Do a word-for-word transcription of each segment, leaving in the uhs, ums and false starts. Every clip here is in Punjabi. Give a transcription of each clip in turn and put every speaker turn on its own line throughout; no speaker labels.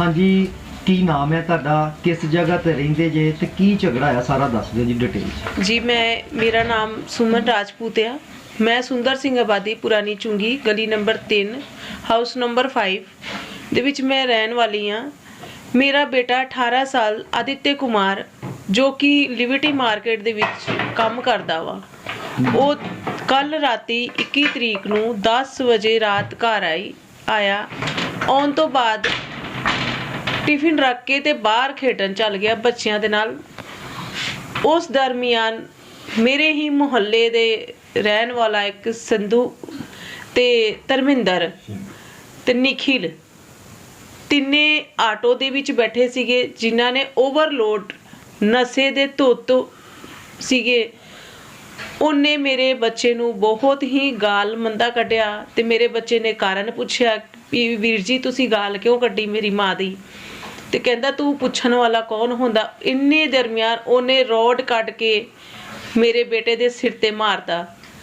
हाँ जी, की नाम है तुहाडा, किस जगह ते रहिंदे जे ते की झगड़ा है सारा दस दिओ जी डिटेल।
जी मैं मेरा नाम सुमन राजपूत है। मैं सुंदर सिंह आबादी पुरानी चुंगी गली नंबर तीन हाउस नंबर फाइव ਦੇ ਵਿੱਚ मैं रहन वाली हाँ। मेरा बेटा अठारह साल आदित्य कुमार जो कि लिबर्टी मार्केट ਦੇ ਵਿੱਚ ਕੰਮ ਕਰਦਾ ਵਾ, ਉਹ ਕੱਲ ਰਾਤੀ ਇੱਕੀ ਤਰੀਕ ਨੂੰ दस ਵਜੇ ਰਾਤ ਘਰ ਆਈ ਆਇਆ ਆਉਣ ਤੋਂ ਬਾਅਦ ਟਿਫਿਨ ਰੱਖ ਕੇ ਤੇ ਬਾਹਰ ਖੇਡਣ ਚੱਲ ਗਿਆ ਬੱਚਿਆਂ ਦੇ ਨਾਲ। ਉਸ ਦਰਮਿਆਨ ਮੇਰੇ ਹੀ ਮੁਹੱਲੇ ਦੇ ਰਹਿਣ ਵਾਲਾ ਇੱਕ ਸੰਧੂ ਤੇ ਧਰਮਿੰਦਰ ਤੇ ਨਿਖਿਲ ਤਿੰਨੇ ਆਟੋ ਦੇ ਵਿੱਚ ਬੈਠੇ ਸੀਗੇ, ਜਿਨ੍ਹਾਂ ਨੇ ਓਵਰਲੋਡ ਨਸ਼ੇ ਦੇ ਧੁੱਤ ਸੀਗੇ। ਉਹਨੇ ਮੇਰੇ ਬੱਚੇ ਨੂੰ ਬਹੁਤ ਹੀ ਗਾਲ ਮੰਦਾ ਕੱਢਿਆ ਤੇ ਮੇਰੇ ਬੱਚੇ ਨੇ ਕਾਰਨ ਪੁੱਛਿਆ ਵੀ ਵੀਰ ਜੀ ਤੁਸੀਂ ਗਾਲ ਕਿਉਂ ਕੱਢੀ ਮੇਰੀ ਮਾਂ ਦੀ, ਤੇ ਕਹਿੰਦਾ ਤੂੰ ਪੁੱਛਣ ਵਾਲਾ ਕੌਣ ਹੁੰਦਾ। ਇੰਨੇ ਦਰਮਿਆਨ ਉਹਨੇ ਰੋਡ ਕੱਢ ਕੇ ਮੇਰੇ ਬੇਟੇ ਦੇ ਸਿਰ ਤੇ ਮਾਰਤਾ,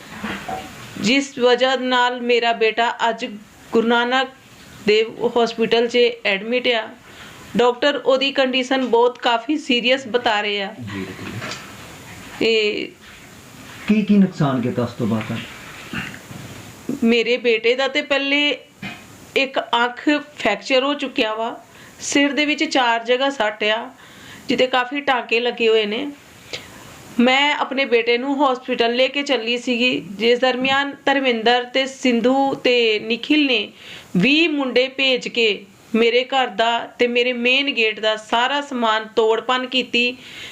ਜਿਸ ਵਜ੍ਹਾ ਨਾਲ ਮੇਰਾ ਬੇਟਾ ਅੱਜ ਗੁਰੂ ਨਾਨਕ ਦੇਵ ਹਸਪੀਟਲ 'ਚ ਐਡਮਿਟ ਆ। ਡਾਕਟਰ ਉਹਦੀ ਕੰਡੀਸ਼ਨ ਬਹੁਤ ਕਾਫੀ ਸੀਰੀਅਸ ਬਤਾ ਰਹੇ ਆ। ਤੇ
ਕੀ ਕੀ ਨੁਕਸਾਨ ਕੀਤਾ ਉਸ ਤੋਂ ਬਾਅਦ?
ਮੇਰੇ ਬੇਟੇ ਦਾ ਤੇ ਪਹਿਲੇ ਇੱਕ ਅੱਖ ਫ੍ਰੈਕਚਰ ਹੋ ਚੁੱਕਿਆ ਵਾ, ਸਿਰ ਦੇ ਵਿੱਚ ਚਾਰ ਜਗ੍ਹਾ ਸੱਟ ਆ ਜਿੱਤੇ ਕਾਫੀ ਟਾਂਕੇ ਲੱਗੇ ਹੋਏ ਨੇ। ਮੈਂ ਆਪਣੇ ਬੇਟੇ ਨੂੰ ਹਸਪੀਟਲ ਲੈ ਕੇ ਚੱਲੀ ਸੀਗੀ, ਜਿਸ ਦਰਮਿਆਨ ਧਰਮਿੰਦਰ ਤੇ ਸਿੰਧੂ ਤੇ ਨਿਖਿਲ ਨੇ ਵੀਹ ਮੁੰਡੇ ਭੇਜ ਕੇ ਮੇਰੇ ਘਰ ਦਾ ਤੇ ਮੇਰੇ ਮੇਨ ਗੇਟ ਦਾ ਸਾਰਾ ਸਮਾਨ ਤੋੜ ਭੰਨ ਕੀਤੀ।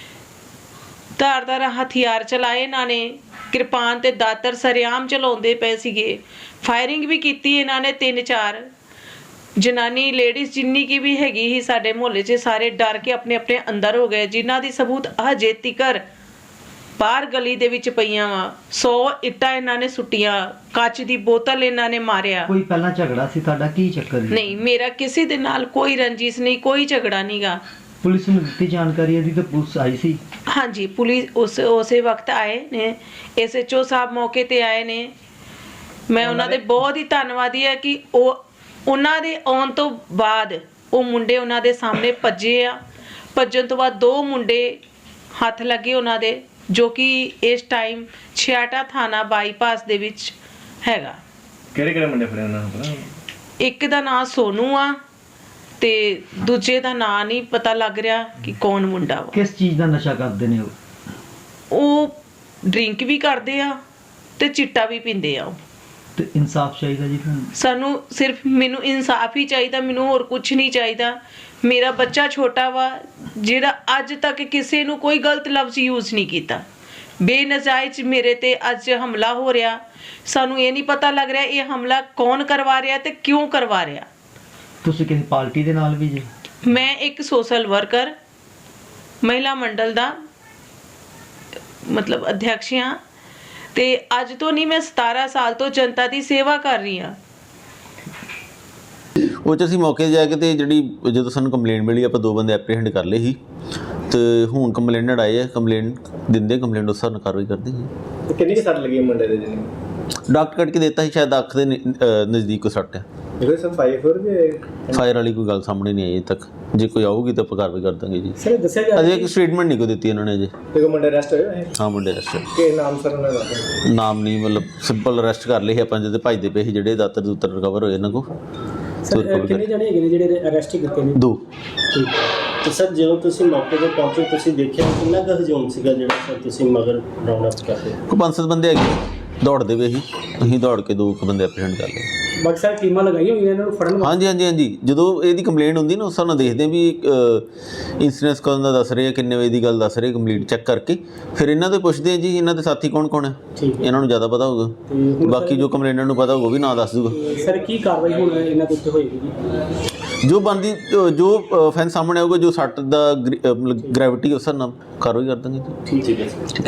ਧਾਰਦਾਰ ਹਥਿਆਰ ਚਲਾਏ ਇਹਨਾਂ ਨੇ, ਕਿਰਪਾਨ ਤੇ ਦਾਤਰ ਸਰਿਆਮ ਚਲਾਉਂਦੇ ਪਏ ਸੀਗੇ। ਫਾਇਰਿੰਗ ਵੀ ਕੀਤੀ ਇਹਨਾਂ ਨੇ ਤਿੰਨ ਚਾਰ। ਜਨਾਨੀ ਲੇਡੀਜ਼ ਜਿੰਨੀ ਕੀ ਵੀ ਹੈਗੀ ਸੀ ਸਾਡੇ ਮੁਹੱਲੇ 'ਚ ਸਾਰੇ ਡਰ ਕੇ ਆਪਣੇ ਆਪਣੇ ਅੰਦਰ ਹੋ ਗਏ, ਜਿਨ੍ਹਾਂ ਦੀ ਸਬੂਤ ਹਜੇ ਤੀਕਰ ਬਾਹਰ ਗਲੀ ਦੇ ਵਿੱਚ ਪਈਆਂ ਵਾ। ਸੌ ਇੱਟਾਂ ਇਹਨਾਂ ਨੇ ਸੁੱਟੀਆਂ, ਕੱਚ ਦੀ ਬੋਤਲ ਇਹਨਾਂ ਨੇ ਮਾਰਿਆ।
ਕੋਈ ਪਹਿਲਾਂ ਝਗੜਾ ਸੀ ਤੁਹਾਡਾ, ਕੀ ਚੱਕਰ ਸੀ?
ਨਹੀਂ, ਮੇਰਾ ਕਿਸੇ ਦੇ ਨਾਲ ਕੋਈ ਰੰਜਿਸ਼ ਨਹੀਂ, ਕੋਈ ਝਗੜਾ ਨਹੀਂਗਾ।
ਪੁਲਿਸ ਨੂੰ ਦਿੱਤੀ ਜਾਣਕਾਰੀ ਇਹਦੀ ਤਾਂ ਪੁਲਿਸ ਆਈ ਸੀ?
ਹਾਂਜੀ, ਪੁਲਿਸ ਉਸ ਉਸੇ ਵਕਤ ਆਏ ਨੇ, ਐਸ ਐਚ ਓ ਸਾਹਿਬ ਮੌਕੇ ਤੇ ਆਏ ਨੇ। ਮੈਂ ਉਹਨਾਂ ਦੇ ਬਹੁਤ ਹੀ ਧੰਨਵਾਦੀ ਹੈ ਕਿ ਉਹ ਉਹਨਾਂ ਦੇ ਆਉਣ ਤੋਂ ਬਾਅਦ ਉਹ ਮੁੰਡੇ ਉਹਨਾਂ ਦੇ ਸਾਹਮਣੇ ਭੱਜੇ ਆ। ਭੱਜਣ ਤੋਂ ਬਾਅਦ ਦੋ ਮੁੰਡੇ ਹੱਥ ਲੱਗੇ ਉਹਨਾਂ ਦੇ, ਜੋ ਕਿ ਇਸ ਟਾਈਮ ਛਿਆਟਾ ਥਾਣਾ ਬਾਈਪਾਸ ਦੇ ਵਿੱਚ ਹੈਗਾ।
ਕਿਹੜੇ ਕਿਹੜੇ ਮੁੰਡੇ ਫੜੇ ਉਹਨਾਂ ਨੂੰ ਪਤਾ?
ਇੱਕ ਦਾ ਨਾਂ ਸੋਨੂ ਆ ਤੇ ਦੂਜੇ ਦਾ ਨਾਂ ਨਹੀਂ ਪਤਾ ਲੱਗ ਰਿਹਾ ਕਿ ਕੌਣ ਮੁੰਡਾ ਵਾ।
ਕਿਸ ਚੀਜ਼ ਦਾ ਨਸ਼ਾ ਕਰਦੇ ਨੇ ਉਹ?
ਉਹ ਡਰਿੰਕ ਵੀ ਕਰਦੇ ਆ ਤੇ ਚਿੱਟਾ ਵੀ ਪੀਂਦੇ ਆ।
ਤੇ ਇਨਸਾਫ ਚਾਹੀਦਾ ਜੀ ਤੁਹਾਨੂੰ?
ਸਾਨੂੰ ਸਿਰਫ ਮੈਨੂੰ ਇਨਸਾਫ ਹੀ ਚਾਹੀਦਾ, ਮੈਨੂੰ ਹੋਰ ਕੁਝ ਨਹੀਂ ਚਾਹੀਦਾ। ਮੇਰਾ ਬੱਚਾ ਛੋਟਾ ਵਾ ਜਿਹੜਾ ਅੱਜ ਤੱਕ ਕਿਸੇ ਨੂੰ ਕੋਈ ਗਲਤ ਲਫ਼ਜ਼ ਯੂਜ਼ ਨਹੀਂ ਕੀਤਾ। ਬੇਨਜਾਇਜ਼ ਮੇਰੇ ਤੇ ਅੱਜ ਹਮਲਾ ਹੋ ਰਿਹਾ, ਸਾਨੂੰ ਇਹ ਨਹੀਂ ਪਤਾ ਲੱਗ ਰਿਹਾ ਇਹ ਹਮਲਾ ਕੌਣ ਕਰਵਾ ਰਿਹਾ ਤੇ ਕਿਉਂ ਕਰਵਾ ਰਿਹਾ।
ਤੁਸੀਂ ਕਿਸੇ ਪਾਰਟੀ ਦੇ ਨਾਲ ਵੀ ਜੀ?
ਮੈਂ ਇੱਕ ਸੋਸ਼ਲ ਵਰਕਰ ਮਹਿਲਾ ਮੰਡਲ ਦਾ ਮਤਲਬ ਅਧਿਅਕਸ਼ ਹਾਂ ਤੇ ਅੱਜ ਤੋਂ ਨਹੀਂ, ਮੈਂ ਸਤਾਰਾਂ ਸਾਲ ਤੋਂ ਜਨਤਾ ਦੀ ਸੇਵਾ ਕਰ ਰਹੀ ਹਾਂ।
ਉਹ 'ਚ ਅਸੀਂ ਮੌਕੇ 'ਤੇ ਜਾ ਕੇ ਤੇ ਜਿਹੜੀ ਜਦੋਂ ਸਾਨੂੰ ਕੰਪਲੇਂਟ ਮਿਲੀ ਆਪਾਂ ਦੋ ਬੰਦੇ ਐਪਰੀਹੈਂਡ ਕਰ ਲਏ ਸੀ ਤੇ ਹੁਣ ਕੰਪਲੇਨਟ ਆਏ ਆ, ਕੰਪਲੇਂਟ ਦਿੰਦੇ ਕੰਪਲੇਂਟ ਉਸ ਹਿਸਾਬ ਨਾਲ ਕਾਰਵਾਈ ਕਰਦੇ ਜੀ।
ਤੇ ਕਿੰਨੀ ਕੁ ਸੱਟ ਲੱਗੀ ਮੁੰਡੇ ਦੇ ਜਿਹਨੇ?
ਡਾਕਟਰ ਕੱਢ ਕੇ ਦਿੱਤਾ ਸੀ, ਸ਼ਾਇਦ ਅੱਖ ਦੇ ਨਜ਼ਦੀਕ ਕੋ ਸੱਟ ਆ।
ਇਹਦੇ ਸਰ ਫਾਈਵ ਫੋਰ ਜੇ
ਫਾਇਰ ਵਾਲੀ ਕੋਈ ਗੱਲ ਸਾਹਮਣੇ ਨਹੀਂ ਆਈ ਅਜੇ ਤੱਕ, ਜੇ ਕੋਈ ਆਊਗੀ ਤਾਂ ਆਪਾਂ ਕਾਰਵਾਈ ਕਰ ਦਾਂਗੇ ਜੀ।
ਸਰ ਦੱਸਿਆ ਜਾ
ਅਜੇ ਇੱਕ ਸਟੇਟਮੈਂਟ ਨਹੀਂ ਕੋਈ ਦਿੱਤੀ ਇਹਨਾਂ ਨੇ ਅਜੇ।
ਦੇਖੋ ਮੁੰਡੇ ਅਰੈਸਟ ਹੋਏ ਹੈ?
ਹਾਂ ਮੁੰਡੇ ਅਰੈਸਟ।
ਕੀ ਨਾਮ ਸਰ ਉਹਨਾਂ ਦਾ?
ਨਾਮ ਨਹੀਂ, ਮਤਲਬ ਸਿੰਪਲ ਅਰੈਸਟ ਕਰ ਲਏ ਸੀ ਆਪਾਂ, ਜਦੋਂ ਭੱਜਦੇ ਪਏ ਸੀ ਜਿਹੜੇ ਦਾਤਰ ਦੂਤਰ ਰਿਕਵਰ ਹੋਏ ਇਹਨਾਂ ਕੋਲ।
ਸਰ ਕਿੰਨੇ ਜਣੇ ਹੈਗੇ ਨੇ ਜਿਹੜੇ ਅਰੈਸਟ ਕੀਤੇ ਨੇ?
ਦੋ।
ਠੀਕ ਤੇ ਸਰ ਜਦੋਂ ਤੁਸੀਂ ਮੌਕੇ ਤੇ ਪਹੁੰਚੇ ਤੁਸੀਂ ਦੇਖਿਆ ਕਿੰਨਾ ਕੁ ਹਜੂਮ ਸੀਗਾ ਜਿਹੜਾ ਸਰ ਤੁਸੀਂ ਮਗਰ ਰਾਉਂਡ ਅਪ ਕਰਦੇ?
ਕੋਈ ਪੰਜ ਸੱਤ ਬੰਦੇ ਹੈਗੇ ਦੌੜਦੇ ਪਏ ਸੀ, ਅਸੀਂ ਦੌੜ ਕੇ ਦੋ ਕੁ ਬੰਦੇ ਐਪਰੀਹੈਂਡ ਕਰ ਲਏ।
ਬਾਕੀ ਸਰ ਟੀਮਾਂ ਲਗਾਈਆਂ ਹੋਈਆਂ ਇਹਨਾਂ ਨੂੰ ਫੜਨ ਵਾਸਤੇ?
ਹਾਂਜੀ ਹਾਂਜੀ ਹਾਂਜੀ, ਜਦੋਂ ਇਹਦੀ ਕੰਪਲੇਂਟ ਹੁੰਦੀ ਨਾ ਉਸ ਹਿਸਾਬ ਨਾਲ ਦੇਖਦੇ ਵੀ ਇੰਸੀਡੈਂਸ ਕਦੋਂ ਦਾ ਦੱਸ ਰਹੇ ਆ, ਕਿੰਨੇ ਵਜੇ ਦੀ ਗੱਲ ਦੱਸ ਰਹੇ, ਕੰਪਲੀਟ ਚੈੱਕ ਕਰਕੇ ਫਿਰ ਇਹਨਾਂ ਤੋਂ ਪੁੱਛਦੇ ਆ ਜੀ ਇਹਨਾਂ ਦੇ ਸਾਥੀ ਕੌਣ ਕੌਣ ਹੈ, ਇਹਨਾਂ ਨੂੰ ਜ਼ਿਆਦਾ ਪਤਾ ਹੋਊਗਾ। ਬਾਕੀ ਜੋ ਕੰਪਲੇਂਟਰ ਨੂੰ ਪਤਾ ਹੋਊਗਾ ਵੀ ਨਾਂ ਦੱਸ ਦੂਗਾ।
ਸਰ ਕੀ ਕਾਰਵਾਈ ਹੁਣ ਇਹਨਾਂ ਦੇ ਉੱਤੇ ਹੋਏਗੀ ਜੀ?
ਜੋ ਬਣਦੀ ਜੋ ਫੈਨ ਸਾਹਮਣੇ ਆਊਗਾ, ਜੋ ਸੱਟ ਦਾ ਗ੍ਰੈਵਿਟੀ ਉਸ ਹਿਸਾਬ ਨਾਲ ਕਾਰਵਾਈ ਕਰ ਦਾਂਗੇ ਜੀ।
ਠੀਕ ਹੈ।